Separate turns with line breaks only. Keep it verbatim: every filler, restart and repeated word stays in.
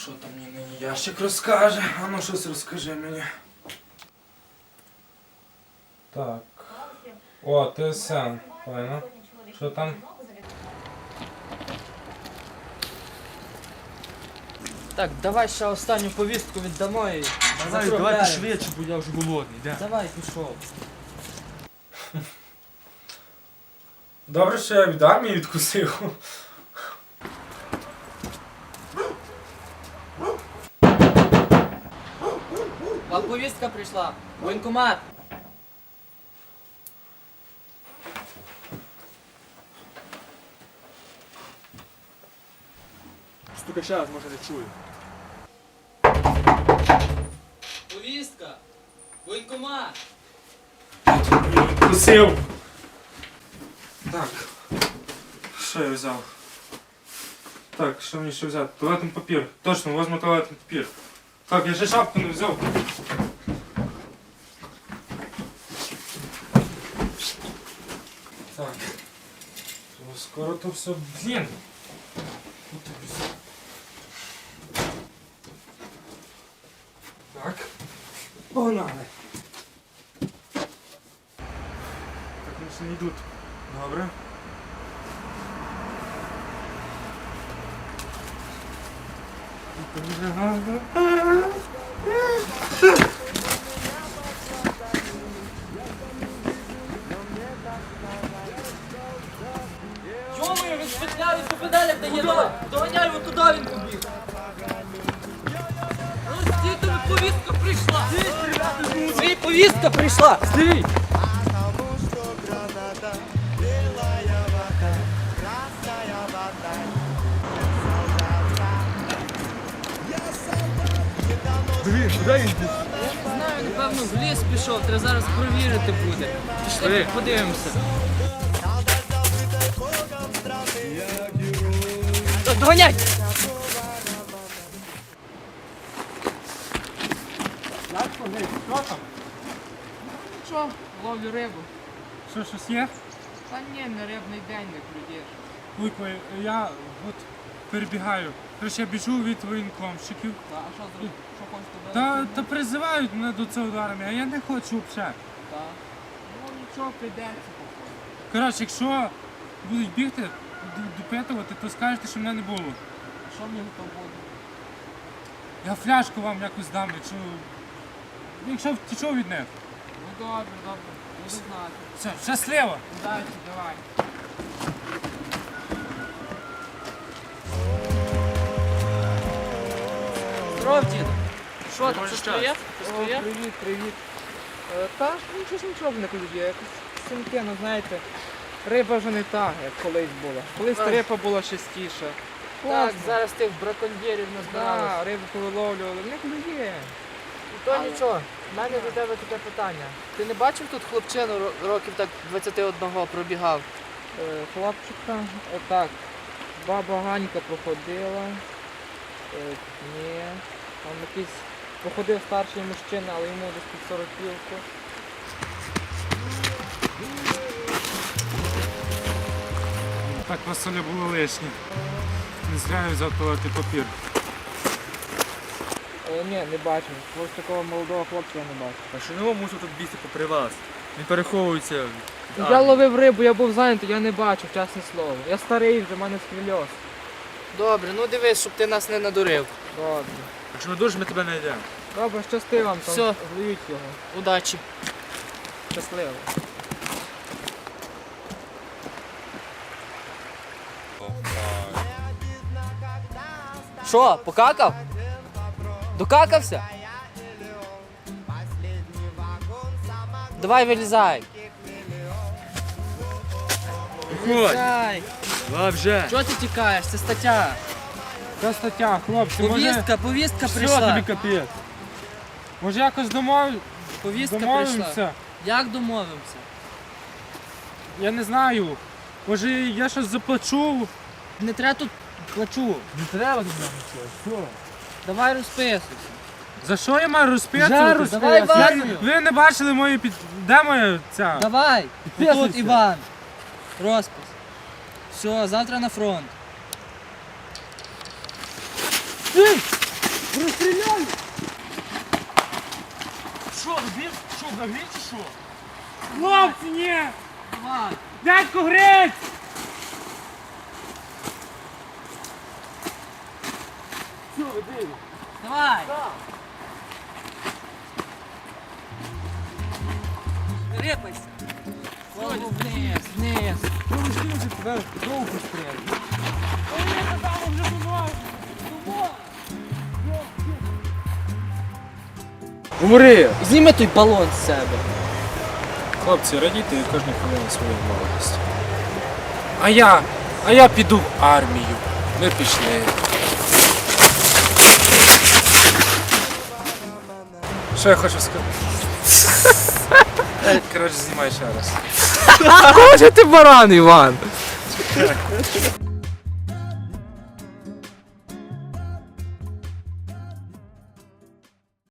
Що там мені нині ящик розкаже? А ну щось розкажи мені. Так. О, ТСН. Файно. Що там?
Так, давай ще останню повістку віддамо і
Давай, давайте швидше, бо я вже голодний. Де?
Давай, пішов.
Добре, що я від армії відкусив.
Вам повістка прийшла. Воєнкомат.
Стука ще раз, може не чую.
Повістка. Воєнкомат.
Відкусив. Так. Що я взяв? Так, що мені ще взяти? Туалетний папір. Точно, возьму туалетний папір. Так, я ще шапку не взяв. Так. То скоро то все, блін. Так. Погнали. Так, вони ще не йдуть. Добре.
Йомою, він спетляв, він по педалях дає. Давай, доганяй його туди, він побіг. Ну, стій, тобі повістка прийшла. Стій, повістка прийшла. Стій.
Блін, куди він йде?
Не знаю, напевно, в ліс пішов, треба зараз провірити буде. Пішли, подивимося. Доганяй!
Як ходить? Що там?
Що, ловлю рибу.
Що, щось є?
Та ні, не рибний день не прийдеш.
Вуйко, я от перебігаю. Короче, я біжу від воєнкомщиків.
Та, а що зробити? Що хочеш туди?
Та, та призивають мене до цього до армії, а я не хочу взагалі.
Та. Ну нічого, прийдеться походу.
Коротше, якщо будуть бігти, д- допитувати, то скажете, що мене не було.
Що мені то буде?
Я фляжку вам якось дам, якщо. Якщо втічу від них.
Ну добре, добре, буду знати.
Все, щасливо!
Удачі, давай. Здоров, діду. Що там, щось твоє? Щось твоє?
Привіт, привіт. Е, Та нічого ж нічого не ходить, якось синки, ну знаєте, риба вже не та, як колись була. Колись та
Ой.
риба була частіша.
Так,
Класно.
зараз тих браконьєрів назбирали.
Да, рибу повиловлювали, не клює.
І то нічого, в мене до тебе таке питання. Ти не бачив тут хлопчину ро- років так двадцяти одного пробігав?
Е, Хлопчика, отак, баба Ганька проходила. Е, Ні, там якийсь проходив старший мужчина, але йому десь під сорок півку.
Так Василя було лишнє. Не зря я взяв туалетний папір.
Е, Ні, не бачив. Ось такого молодого хлопця я не бачив.
А що його мусив тут бігти попри вас? Він переховується. від
Я
армії.
ловив рибу, я був зайнятий, я не бачив, чесне слово. Я старий вже, в мене схвильоз.
Добре, ну дивись, щоб ти нас не надурив.
Добре.
Якщо не дуже, ми тебе не йдемо.
Добре, щасти вам там.
Всьо.
Зловіть його.
Удачі.
Щасливо.
Що, покакав? Докакався? Давай вилізай.
Виходь!
Вилізай.
Давай вже!
Чого ти тікаєш? Це стаття.
Та стаття, хлопці, може.
Повістка, повістка
Все,
прийшла.
тобі капець. Може якось домов...
Повістка прийшла.
домовимося?
Як домовимося?
Я не знаю. Може я щось заплачу?
Не треба тут плачу.
Не треба тут нам нічого. Що?
Давай розписуйся.
За що я маю розписуватись?
Давай в
Я-
армію.
Ви не бачили мої під... Де моя ця?
Давай.
Підписуйся.
Тут Іван. Розпис. Все, завтра на фронт.
Розстріляй! Що, ви що, взагалі чи що?
Хлопці, ні!
Давай.
Дядько Грець!
Що ви дивите?
Давай. Рипайся. Голову вниз, вниз.
Ну ви скинувся тебе знову постріляли.
Говори! Зніми той балон з себе.
Хлопці, радійте кожну хвилину своєї молодості. А я, а я піду в армію. Ми пішли. Що я хочу сказати? Коротше, знімай ще раз.
Кого ти баран, Іван?